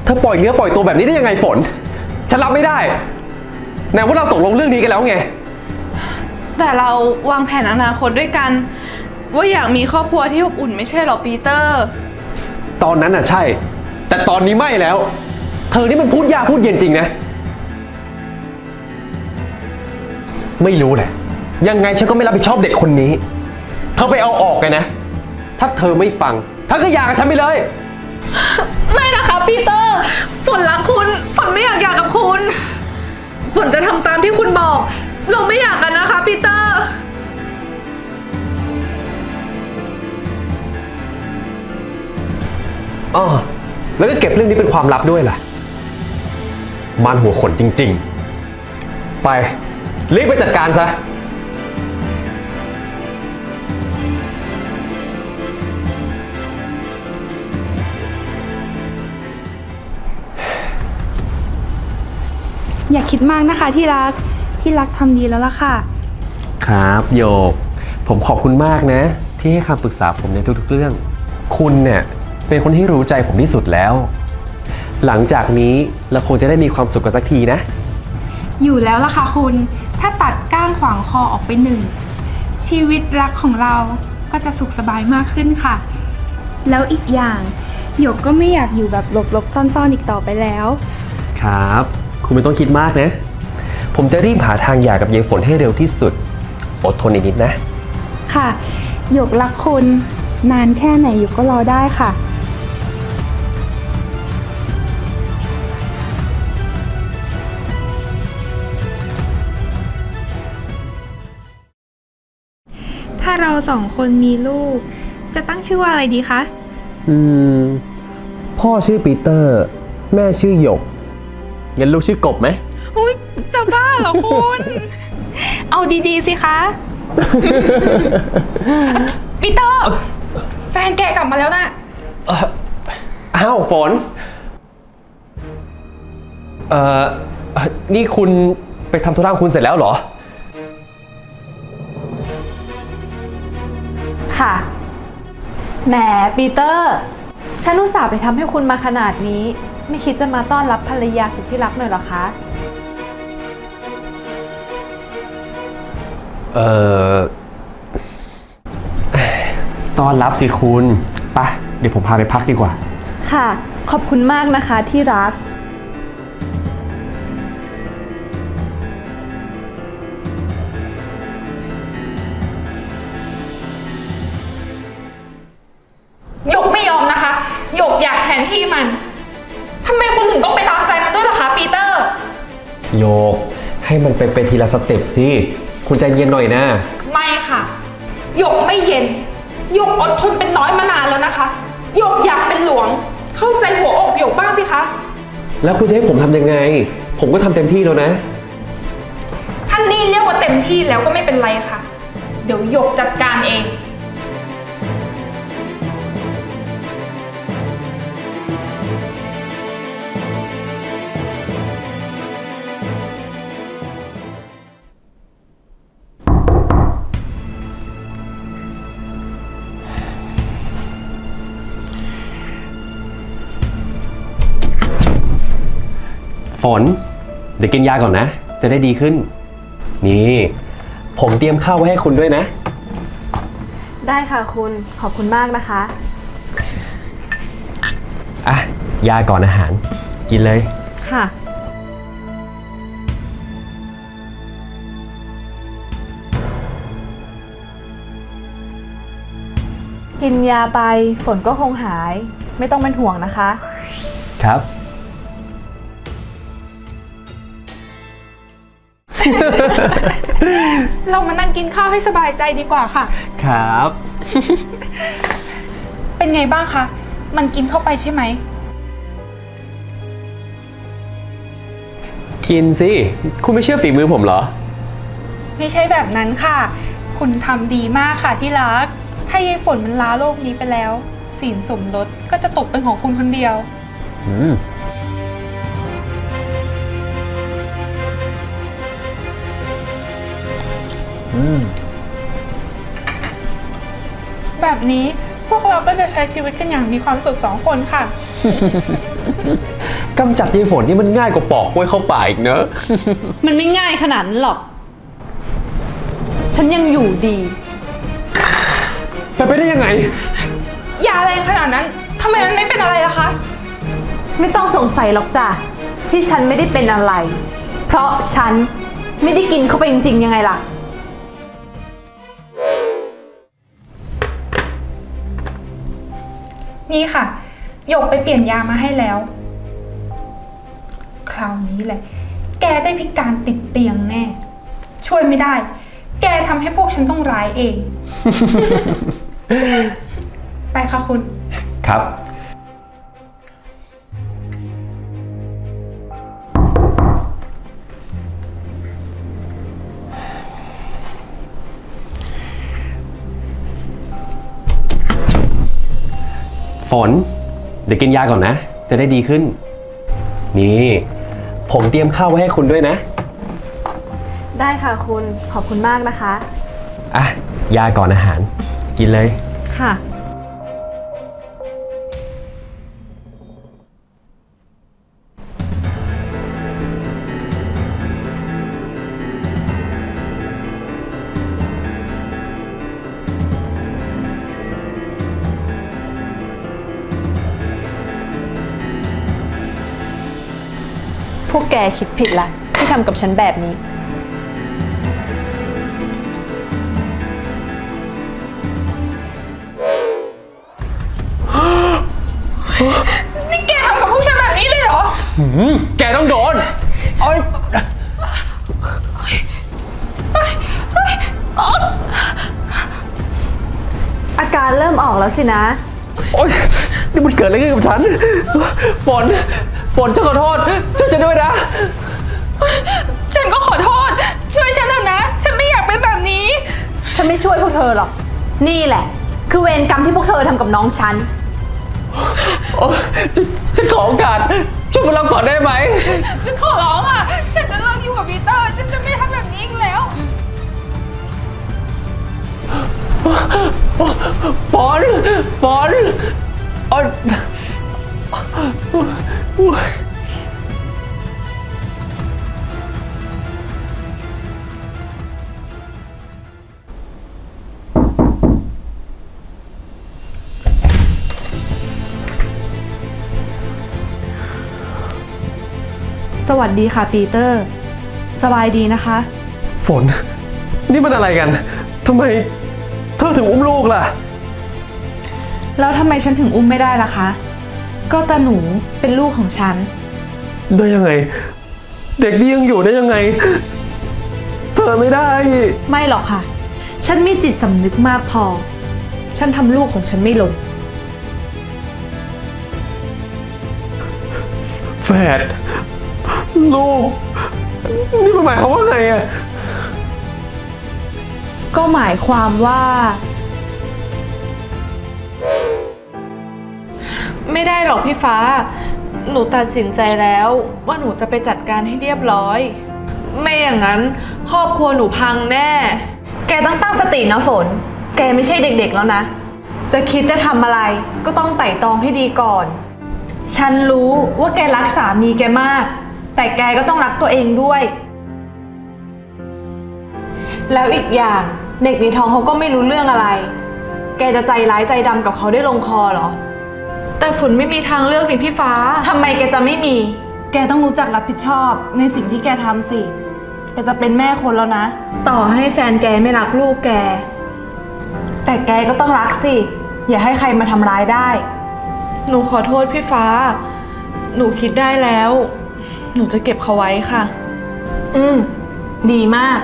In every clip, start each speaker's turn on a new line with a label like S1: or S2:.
S1: เธอปล่อยเนื้อปล่อยตัวแบบนี้ได้ยังไงฝน ฉันรับไม่ได้ไหนว่าเราตกลงเรื่องนี้กันแล้วไง
S2: แต่เราวางแผนอนาคตด้วยกันว่าอยากมีครอบครัวที่อบอุ่นไม่ใช่หรอปีเตอร์
S1: ตอนนั้นน่ะใช่แต่ตอนนี้ไม่แล้วเธอนี่มันพูดยากพูดเย็นจริงนะไม่รู้แหละยังไงฉันก็ไม่รับผิดชอบเด็กคนนี้เธอไปเอาออกกันนะถ้าเธอไม่ฟังเธอก็หย่ากับฉันไปเลย
S2: ไม่นะคะปีเตอร์ฝนรักคุณฝนไม่อยากหย่ากับคุณฝนจะทำตามที่คุณบอกเราไม่อยากกันนะคะปีเตอร์
S1: อ๋อแล้วก็เก็บเรื่องนี้เป็นความลับด้วยล่ะมันหัวขนจริงๆไปรีบไปจัดการซะ
S3: อย่าคิดมากนะคะที่รักทำดีแล้วล่ะค่ะ
S1: ครับโยกผมขอบคุณมากนะที่ให้คำปรึกษาผมในทุกๆเรื่องคุณเนี่ยเป็นคนที่รู้ใจผมที่สุดแล้วหลังจากนี้เราคงจะได้มีความสุขกันสักทีนะ
S3: อยู่แล้วล่ะค่ะคุณถ้าตัดก้างขวางคอออกไปหนึ่งชีวิตรักของเราก็จะสุขสบายมากขึ้นค่ะแล้วอีกอย่างหยกก็ไม่อยากอยู่แบบหลบๆซ่อนๆอีกต่อไปแล้ว
S1: ครับคุณไม่ต้องคิดมากนะผมจะรีบหาทางหย่ากับยายฝนให้เร็วที่สุดอดทนอีกนิดนะ
S3: ค่ะหยกรักคุณนานแค่ไหนหยกก็รอได้ค่ะถ้าเราสองคนมีลูกจะตั้งชื่อว่าอะไรดีคะ
S1: พ่อชื่อปีเตอร์แม่ชื่อหยกงั้นลูกชื่อกบไหม
S3: อุ๊ยจะบ้าเหรอคุณ เอาดีๆสิคะ ปีเตอร์แฟนแกกลับมาแล้วนะ
S1: อ้าวฝนนี่คุณไปทำธุระของคุณเสร็จแล้วเหรอ
S4: ค่ะแหมปีเตอร์ฉันอุตส่าห์ไปทำให้คุณมาขนาดนี้ไม่คิดจะมาต้อนรับภรรยาสุดที่รักหน่อยเหรอคะ
S1: ต้อนรับสิคุณไปเดี๋ยวผมพาไปพักดีกว่า
S4: ค่ะขอบคุณมากนะคะที่รัก
S3: หยกไม่ยอมนะคะหยกอยากแทนที่มันทำไมคุณถึงต้องไปตามใจมันด้วยล่ะคะปีเตอร์
S1: โยกให้มันเป็นทีละสเต็ปสิคุณใจเย็นหน่อยนะ
S3: ไม่ค่ะหยกไม่เย็นหยกอดทนเป็นน้อยมานานแล้วนะคะหยกอยากเป็นหลวงเข้าใจหัวอกหยกบ้างสิคะ
S1: แล้วคุณจะให้ผมทำยังไงผมก็ทำเต็มที่แล้วนะ
S3: ท่านนี่เรียกว่าเต็มที่แล้วก็ไม่เป็นไรค่ะเดี๋ยวหยกจัดการเอง
S1: ฝนเดี๋ยวกินยาก่อนนะจะได้ดีขึ้นนี่ผมเตรียมข้าวไว้ให้คุณด้วยนะ
S4: ได้ค่ะคุณขอบคุณมากนะคะ
S1: อ่ะยาก่อนอาหารกินเลย
S4: ค่ะกินยาไปฝนก็คงหายไม่ต้องเป็นห่วงนะคะ
S1: ครับ
S3: เรามานั่งกินข้าวให้สบายใจดีกว่าค่ะ
S1: ครับ
S3: เป็นไงบ้างคะมันกินเข้าไปใช่ไหม
S1: กินสิคุณไม่เชื่อฝีมือผมเหรอ
S3: ไม่ใช่แบบนั้นค่ะคุณทำดีมากค่ะที่รักถ้ายายฝนมันลาโลกนี้ไปแล้วสินสมรสก็จะตกเป็นของคุณคนเดียวแบบนี้พวกเราก็จะใช้ชีวิตกันอย่างมีความสุข2 คนค่ะ
S1: กำจัดยายฝนนี่มันง่ายกว่าปอกกล้วยเข้าป่าอีกเนอะ
S4: มันไม่ง่ายขนาดนั้นหรอก ฉันยังอยู่ดี
S1: ไปได้ยังไง
S3: ยาแรงขนาดนั้นทำไมมันไม่เป็นอะไรล่ะคะ
S4: ไม่ต้องสงสัยหรอกจ้ะที่ฉันไม่ได้เป็นอะไร เพราะฉันไม่ได้กินเข้าไปจริงๆยังไงล่ะ
S3: นี่ค่ะหยกไปเปลี่ยนยามาให้แล้ว คราวนี้แหละ แกได้พิการติดเตียงแน่ ช่วยไม่ได้ แกทำให้พวกฉันต้องร้ายเอง ไปค่ะคุณ
S1: ครับ ฝน เดี๋ยวกินยาก่อนนะ จะได้ดีขึ้น นี่ ผมเตรียมข้าวไว้ให้คุณด้วยนะ
S4: ได้ค่ะคุณขอบคุณมากนะคะ
S1: อ่ะ ยาก่อนอาหาร กินเลย
S4: ค่ะ พวกแกคิดผิดละที่ทำกับฉันแบบนี้
S3: นี่แกทำกับพวกฉันแบบนี้เลยเหรอ
S1: แกต้องโดนโอ๊ย
S4: อาการเริ่มออกแล้วสินะ
S1: โอ๊ยนี่มันเกิดอะไรขึ้นกับฉัน ฝน ฉันขอโทษ ช่วยฉันด้วยนะ
S3: ฉันก็ขอโทษ ช่วยฉันเถอะนะ ฉันไม่อยากเป็นแบบนี้
S4: ฉันไม่ช่วยพวกเธอหรอก นี่แหละ คือเวรกรรมที่พวกเธอทำกับน้องฉัน
S1: โอ๊ยฉันขอโอกาสช่วยพวกเราก่อนได้ไหม
S3: ฉันขอร้องอ่ะ ฉันจะเลิกอยู่กับปีเตอร์ ฉันจะไม่ทำแบบนี้อีกแล้ว
S1: ฝนโอ๊ย
S4: สวัสดีค่ะปีเตอร์ สบายดีนะคะ
S1: ฝน นี่มันอะไรกันทำไมเธอถึงอุ้มลูกล่ะ
S4: แล้วทำไมฉันถึงอุ้มไม่ได้ล่ะคะ ก็ตาหนูเป็นลูกของฉัน
S1: ได้ยังไง เด็กนี่ยังอยู่ได้ยังไง เธอไม่ได้
S4: ไม่หรอกค่ะ ฉันมีจิตสำนึกมากพอ ฉันทำลูกของฉันไม่ลง
S1: แฝดลูก นี่มันหมายความว่าไงอะ
S4: ก็หมายความว่า ไม่ได้หรอกพี่ฟ้า หนูตัดสินใจแล้วว่าหนูจะไปจัดการให้เรียบร้อย ไม่อย่างนั้นครอบครัวหนูพังแน่ แกต้องตั้งสตินะฝน แกไม่ใช่เด็กๆแล้วนะ จะคิดจะทำอะไรก็ต้องไต่ตองให้ดีก่อน ฉันรู้ว่าแกรักสามีแกมาก แต่แกก็ต้องรักตัวเองด้วย แล้วอีกอย่างเด็กในท้องเขาก็ไม่รู้เรื่องอะไร แกจะใจร้ายใจดำกับเขาได้ลงคอเหรอ แต่ฝนไม่มีทางเลือกนี่พี่ฟ้า ทำไมแกจะไม่มี แกต้องรู้จักรับผิดชอบในสิ่งที่แกทำสิ แกจะเป็นแม่คนแล้วนะ ต่อให้แฟนแกไม่รักลูกแก แต่แกก็ต้องรักสิ อย่าให้ใครมาทำร้ายได้ หนูขอโทษพี่ฟ้า หนูคิดได้แล้ว หนูจะเก็บเขาไว้ค่ะ ดีมาก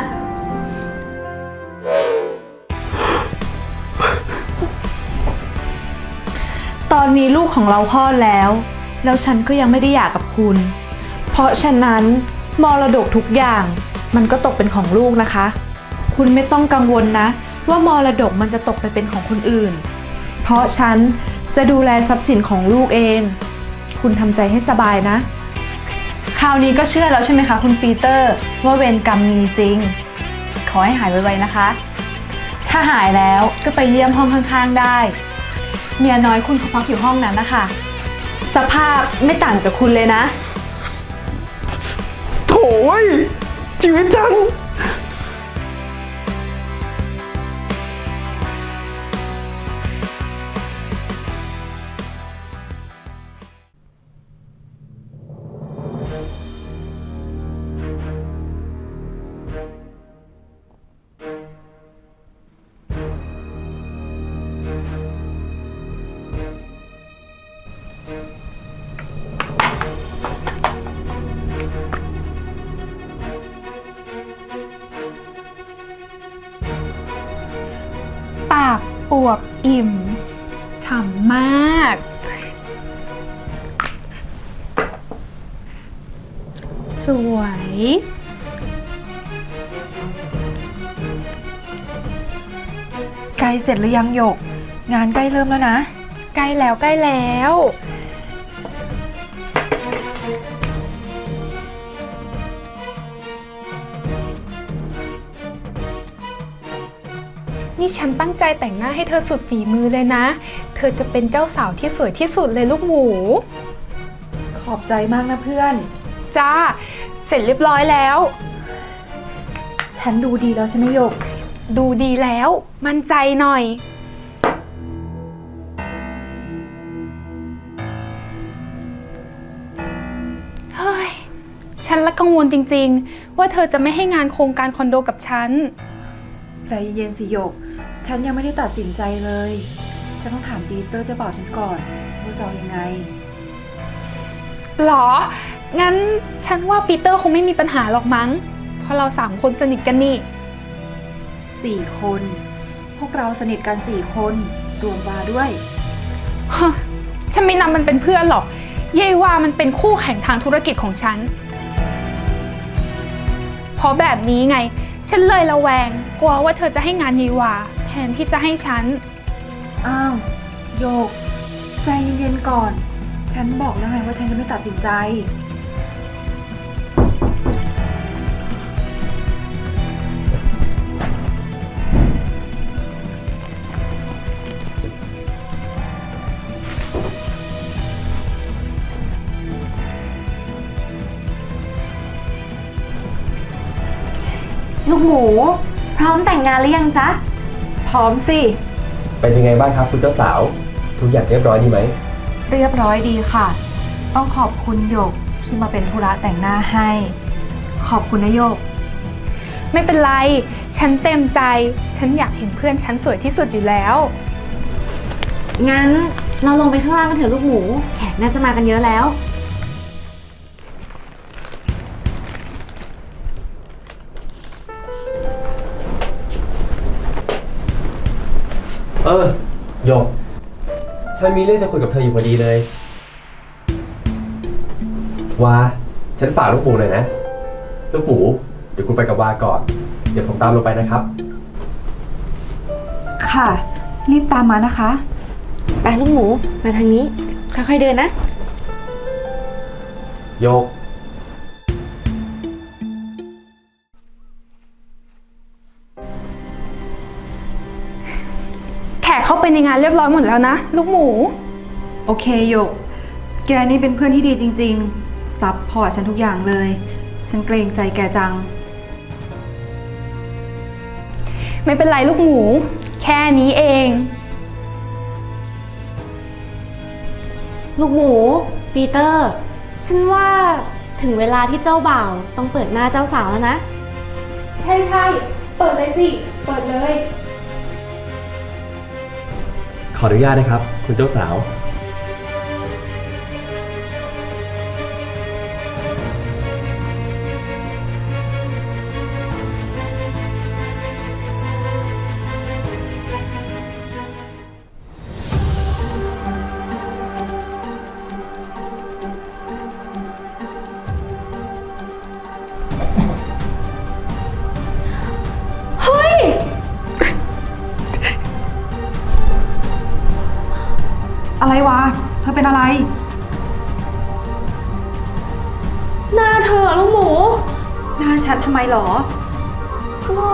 S4: ตอนนี้ลูกของเราคลอดแล้วฉันก็ยังไม่ได้หย่ากับคุณ เพราะฉะนั้นมรดกทุกอย่างมันก็ตกเป็นของลูกนะคะ คุณไม่ต้องกังวลนะ ว่ามรดกมันจะตกไปเป็นของคนอื่น เพราะฉันจะดูแลทรัพย์สินของลูกเอง คุณทำใจให้สบายนะ คราวนี้ก็เชื่อแล้วใช่ไหมคะคุณปีเตอร์ว่าเวรกรรมมีจริง ขอให้หายไวๆนะคะ ถ้าหายแล้วก็ไปเยี่ยมห้องข้างๆได้ เมียน้อยคุณเขาพักอยู่ห้องนั้นนะคะสภาพไม่ต่างจากคุณเลยนะ
S1: โถ่เว้ยชีวิตจัง
S3: ปากอวบอิ่ม ฉ่ำมาก สวย
S5: ใกล้เสร็จหรือยังหยก งานใกล้เริ่มแล้วนะ
S3: ใกล้แล้วใกล้แล้ว นี่ฉันตั้งใจแต่งหน้าให้เธอสุดฝีมือเลยนะ เธอจะเป็นเจ้าสาวที่สวยที่สุดเลยลูกหมู
S5: ขอบใจมากนะเพื่อน
S3: จ้า เสร็จเรียบร้อยแล้ว
S5: ฉันดูดีแล้วใช่ไหมหยก
S3: ดูดีแล้ว มั่นใจหน่อย เฮ้ย ฉันละกังวลจริงๆ ว่าเธอจะไม่ให้งานโครงการคอนโดกับฉัน
S5: ใจเย็นสิหยก ฉันยังไม่ได้ตัดสินใจเลย ฉันต้องถามปีเตอร์เจ้าบ่าวฉันก่อนว่าจะเอายังไง
S3: หรอ งั้นฉันว่าปีเตอร์คงไม่มีปัญหาหรอกมั้ง เพราะเรา3 คนสนิทกันนี่
S5: 4 คน พวกเราสนิทกัน4 คนรวมวาด้วย
S3: ฮะ ฉันไม่นับมันเป็นเพื่อนหรอกเยายว่ามันเป็นคู่แข่งทางธุรกิจของฉัน เพราะแบบนี้ไง ฉันเลยระแวง กลัวว่าเธอจะให้งานเยายวาแทนที่จะให้ฉัน
S5: อ้าวโยก ใจเย็นๆก่อน ฉันบอกแล้วไงว่าฉันจะไม่ตัดสินใจ
S4: ลูกหมู พร้อมแต่งงานหรือยังจ๊ะ
S5: พร้อมสิ
S1: เป็นยังไงบ้างครับคุณเจ้าสาว ทุกอย่างเรียบร้อยดีไหม
S5: เรียบร้อยดีค่ะ ต้องขอบคุณหยกที่มาเป็นธุระแต่งหน้าให้ ขอบคุณนะหยก
S3: ไม่เป็นไร ฉันเต็มใจ ฉันอยากเห็นเพื่อนฉันสวยที่สุดอยู่แล้ว
S4: งั้นเราลงไปข้างล่างกันเถอะลูกหมู แขกน่าจะมากันเยอะแล้ว
S1: หยก ฉันมีเรื่องจะคุยกับเธออยู่พอดีเลย วา ฉันฝากลูกหมูหน่อยนะ ลูกหมู เดี๋ยวคุณไปกับวาก่อน เดี๋ยวผมตามลงไปนะครับ
S5: ค่ะ รีบตามมานะคะ
S4: ไปลูกหมู มาทางนี้ ค่อยๆเดินนะ
S1: โยก
S3: แขกเข้าไปในงานเรียบร้อยหมดแล้วนะ ลูกหมู
S5: โอเคหยก แกนี่เป็นเพื่อนที่ดีจริงๆ ซัพพอร์ตฉันทุกอย่างเลย ฉันเกรงใจแกจัง
S3: ไม่เป็นไรลูกหมู แค่นี้เอง
S4: ลูกหมู ปีเตอร์ ฉันว่าถึงเวลาที่เจ้าบ่าวต้องเปิดหน้าเจ้าสาวแล้วนะ
S3: ใช่ใช่เปิดเลยสิ เปิดเลย
S1: ขออนุญาตนะครับ คุณเจ้าสาว
S5: อะไรวะ เธอเป็นอะไร
S4: หน้าเธอลูกหมู
S5: หน้าฉันทำไมหรอ
S4: ก็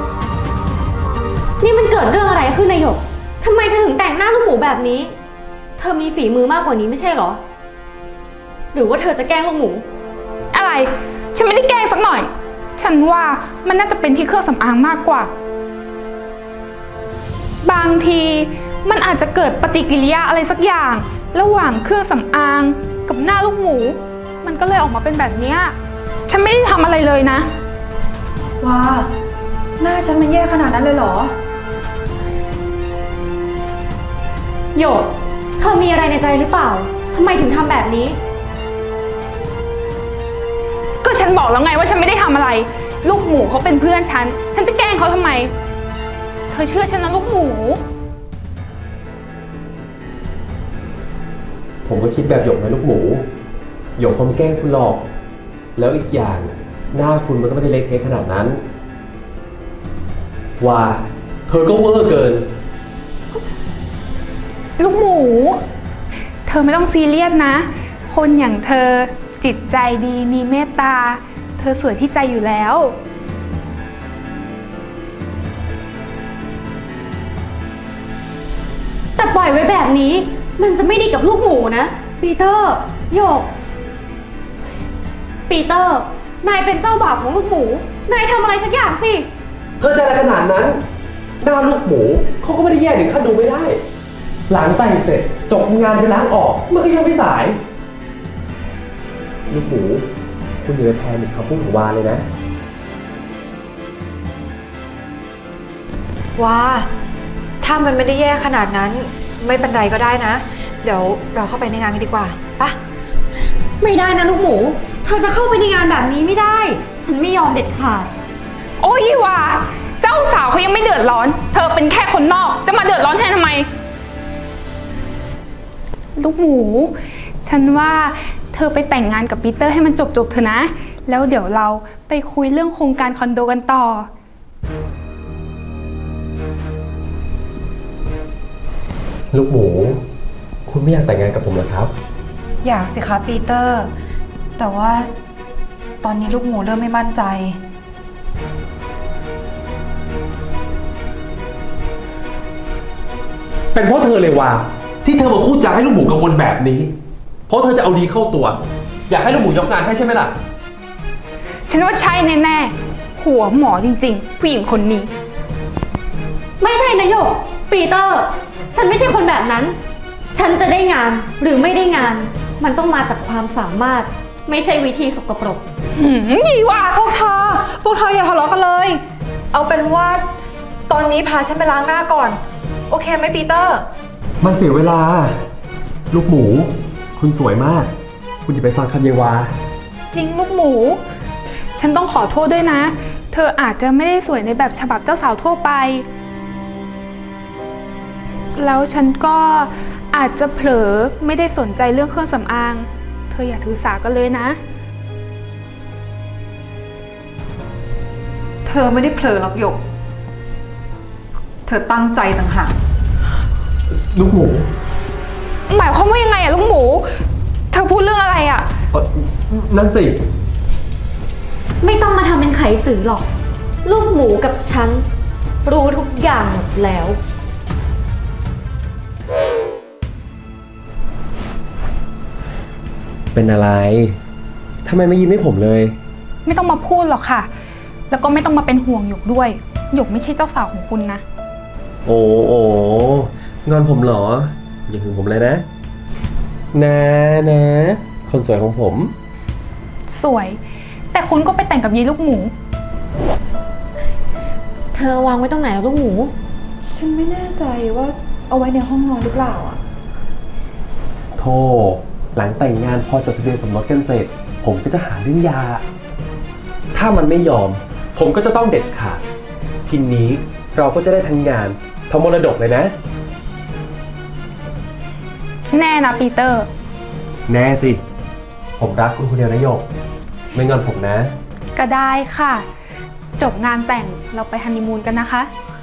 S4: นี่มันเกิดเรื่องอะไรขึ้นนายหยกทำไมเธอถึงแต่งหน้าลูกหมูแบบนี้
S6: เธอมีฝีมือมากกว่านี้ไม่ใช่เหรอ หรือว่าเธอจะแกล้งลูกหมู
S3: อะไร ฉันไม่ได้แกล้งสักหน่อย ฉันว่ามันน่าจะเป็นที่เครื่องสำอางมากกว่า บางทีมันอาจจะเกิดปฏิกิริยาอะไรสักอย่าง ระหว่างเครื่องสำอางกับหน้าลูกหมู มันก็เลยออกมาเป็นแบบเนี้ยฉันไม่ได้ทำอะไรเลยนะ
S5: ว้า หน้าฉันมันแย่ขนาดนั้นเลยเหรอ
S6: โยก เธอมีอะไรในใจหรือเปล่า ทำไมถึงทำแบบนี้
S3: ก็ฉันบอกแล้วไงว่าฉันไม่ได้ทำอะไร ลูกหมูเขาเป็นเพื่อนฉัน ฉันจะแกล้งเขาทำไม เธอเชื่อฉันนะลูกหมู
S1: ผมก็คิดแบบหยกนะลูกหมู หยกคงไม่แกล้งคุณหรอก แล้วอีกอย่างหน้าคุณมันก็ไม่ได้เละเทะขนาดนั้น ว่าเธอก็เวอร์เกิน
S3: ลูกหมู เธอไม่ต้องซีเรียสนะ คนอย่างเธอจิตใจดีมีเมตตา เธอสวยที่ใจอยู่แล้ว
S6: แต่ปล่อยไว้แบบนี้ มันจะไม่ดีกับลูกหมูนะ ปีเตอร์ โยก ปีเตอร์ นายเป็นเจ้าบ่าวของลูกหมู นายทำอะไรสักอย่างสิ
S1: เธอใจอะไรขนาดนั้น หน้าลูกหมูเขาก็ไม่ได้แย่ถึงขั้นดูไม่ได้ หลังแต่งเสร็จจบงานไปล้างออกมันก็ยังไม่สาย ลูกหมูคุณอย่าไปแพนิคคำพูดของวาเลยนะ
S5: ว้า ถ้ามันไม่ได้แย่ขนาดนั้น ไม่เป็นไรก็ได้นะ เดี๋ยวเราเข้าไปในงานกันดีกว่าปะ
S6: ไม่ได้นะลูกหมู เธอจะเข้าไปในงานแบบนี้ไม่ได้ ฉันไม่ยอมเด็ดขาด
S3: โอ้ยว่า เจ้าสาวเขายังไม่เดือดร้อน เธอเป็นแค่คนนอก จะมาเดือดร้อนแทนทำไม ลูกหมู ฉันว่าเธอไปแต่งงานกับปีเตอร์ให้มันจบๆเถอะนะ แล้วเดี๋ยวเราไปคุยเรื่องโครงการคอนโดกันต่อ
S1: ลูกหมู คุณไม่อยากแต่งงานกับผมเหรอครับ
S5: อยากสิคะปีเตอร์ แต่ว่าตอนนี้ลูกหมูเริ่มไม่มั่นใจ
S1: เป็นเพราะเธอเลยว่าที่เธอมาพูดจาให้ลูกหมูกังวลแบบนี้ เพราะเธอจะเอาดีเข้าตัว อยากให้ลูกหมูยกงานให้ใช่ไหมล่ะ
S3: ฉันว่าใช่แน่ๆ หัวหมอจริงๆ ผู้หญิงคนนี้
S6: ไม่ใช่นะโยก ปีเตอร์ ฉันไม่ใช่คนแบบนั้น ฉันจะได้งานหรือไม่ได้งาน มันต้องมาจากความสามารถ ไม่ใช่วิธีสกปรก
S3: ยี่ว่า
S5: พวกเธออย่าทะเลาะกันเลย เอาเป็นว่าตอนนี้พาฉันไปล้างหน้าก่อน โอเคไหมปีเตอร์
S1: มันเสียเวลา ลูกหมู คุณสวยมาก คุณอย่าไปฟังคำเยวา
S3: จริงลูกหมู ฉันต้องขอโทษด้วยนะ เธออาจจะไม่ได้สวยในแบบฉบับเจ้าสาวทั่วไป แล้วฉันก็อาจจะเผลอไม่ได้สนใจเรื่องเครื่องสำอาง เธออย่าถือสากันเลยนะ
S5: เธอไม่ได้เผลอหรอกหยก เธอตั้งใจต่างหาก
S1: ลูกหมู
S3: หมายความว่ายังไงอะลูกหมู เธอพูดเรื่องอะไรอะ
S1: นั่นสิ
S6: ไม่ต้องมาทำเป็นไขสื่อหรอก ลูกหมูกับฉัน รู้ทุกอย่างหมดแล้ว
S1: เป็นอะไรทำไมไม่ยิ้มให้ผมเลย
S3: ไม่ต้องมาพูดหรอกค่ะ แล้วก็ไม่ต้องมาเป็นห่วงหยกด้วย หยกไม่ใช่เจ้าสาวของคุณนะ
S1: โอ้งอนผมเหรอ อย่าถึงผมเลยนะ นะ คนสวยของผม
S3: สวย แต่คุณก็ไปแต่งกับยีลูกหมู
S6: เธอวางไว้ตรงไหนแล้วลูกหมู
S5: ฉันไม่แน่ใจว่าเอาไว้ในห้องนอนหรือเปล่าอ่ะ
S1: โธ่หลังแต่งงานพอจดทะเบียนสมรสกันเสร็จ ผมก็จะหาเรื่องหยาถ้ามันไม่ยอม ผมก็จะต้องเด็ดขาด ทีนี้เราก็จะได้ทั้งงานทั้งมรดกเลยนะ
S3: แน่นะปีเตอร์
S1: แน่สิ ผมรักคุณคนเดียวนะโยก ไม่งอนผมนะ
S3: ก็ได้ค่ะ จบงานแต่งเราไปฮันนีมูนกันนะคะ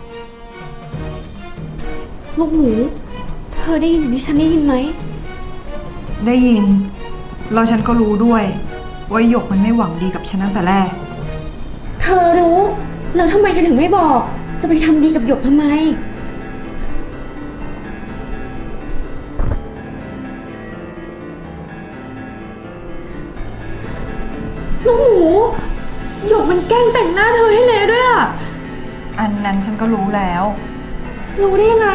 S6: ลูกหมู เธอได้ยินอย่างที่ฉันได้ยินไหม
S5: ได้ยิน แล้วฉันก็รู้ด้วย ว่าหยกมันไม่หวังดีกับฉันตั้งแต่แรก
S6: เธอรู้ แล้วทำไมเธอถึงไม่บอก จะไปทำดีกับหยกทำไมลูกหมูหยกมันแกล้งแต่งหน้าเธอให้เละด้วยอะ
S5: อันนั้นฉันก็รู้แล้ว
S6: รู้ได้ยังไง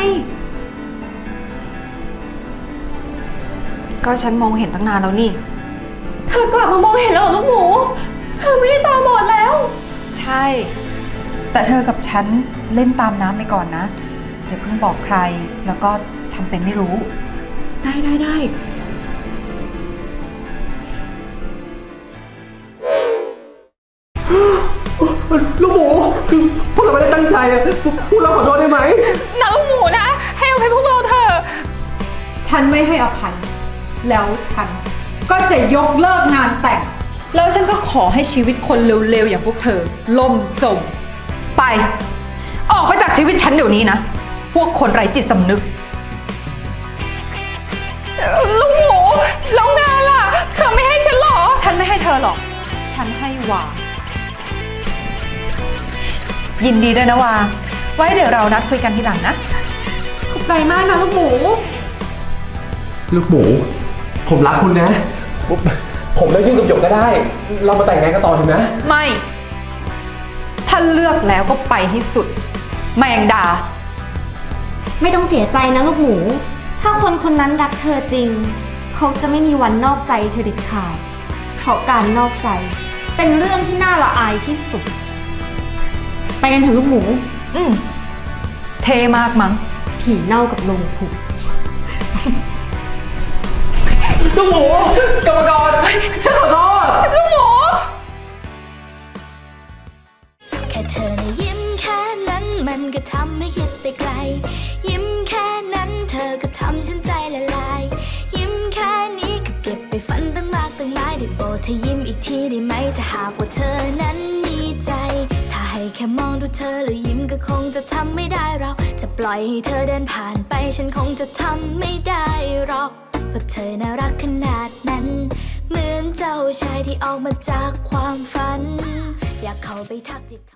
S5: ก็ฉันมองเห็นตั้งนานแล้วนี่
S6: เธอกลับมามองเห็นแล้วเหรอลูกหมู เธอไม่ได้ตาบอดแล้ว
S5: ใช่ แต่เธอกับฉันเล่นตามน้ำไปก่อนนะอย่าเพิ่งบอกใคร แล้วก็ทำเป็นไม่รู้
S6: ได้
S1: ลูกหมูคือพวกเราไม่ได้ตั้งใจอะพวกเราขอโทษได้ไหม
S2: นะลูกหมูนะ ให้อภัยพวกเราเถอะ
S5: ฉันไม่ให้อภัย แล้วฉันก็จะยกเลิกงานแต่ง แล้วฉันก็ขอให้ชีวิตคนเร็วๆอย่างพวกเธอ ล่มจม ไป ออกไปจากชีวิตฉันเดี๋ยวนี้นะ พวกคนไร้จิตสำนึก
S2: ลูกหมูแล้วงานล่ะ เธอไม่ให้ฉันเหรอ
S5: ฉันไม่ให้เธอหรอก ฉันให้วา ยินดีด้วยนะวา ไว้เดี๋ยวเรานัดคุยกันทีหลังนะ
S6: ขอบใจมากนะลูกหมู
S1: ลูกหมู ผมรักคุณนะ ผมเลิกยุ่งกับหยกก็ได้ เรามาแต่งงานกันต่อเถอะนะ
S5: ไม่ ถ้าเลือกแล้วก็ไปให้สุด แมงดา
S6: ไม่ต้องเสียใจนะลูกหมู ถ้าคนคนนั้นรักเธอจริง เขาจะไม่มีวันนอกใจเธอเด็ดขาด เพราะการนอกใจ เป็นเรื่องที่น่าละอายที่สุด ไปกันเถอะลูกหมู
S5: เทมากมั้ง
S6: ผีเน่ากับลงผุ
S1: ลูกหมูกรรมกรฉันขอโทษ
S2: ลูกหมู
S7: แค่เธอนะยิ้มแค่นั้นมันก็ทำให้คิดไปไกล ยิ้มแค่นั้นเธอก็ทำฉันใจละลาย ยิ้มแค่นี้ก็เก็บไปฝันตั้งมากตั้งหลายได้โปรดเธอยิ้มอีกทีได้ไหมถ้าหากว่าเธอนั้นมีใจ ถ้าให้แค่มองดูเธอแล้วยิ้มก็คงจะทำไม่ได้เราจะปล่อยให้เธอเดินผ่านไปฉันคงจะทำไม่ได้หรอกเพราะเธอน่ารักขนาดนั้น เหมือนเจ้าชายที่ออกมาจากความฝัน อยากเข้าไปทักทิ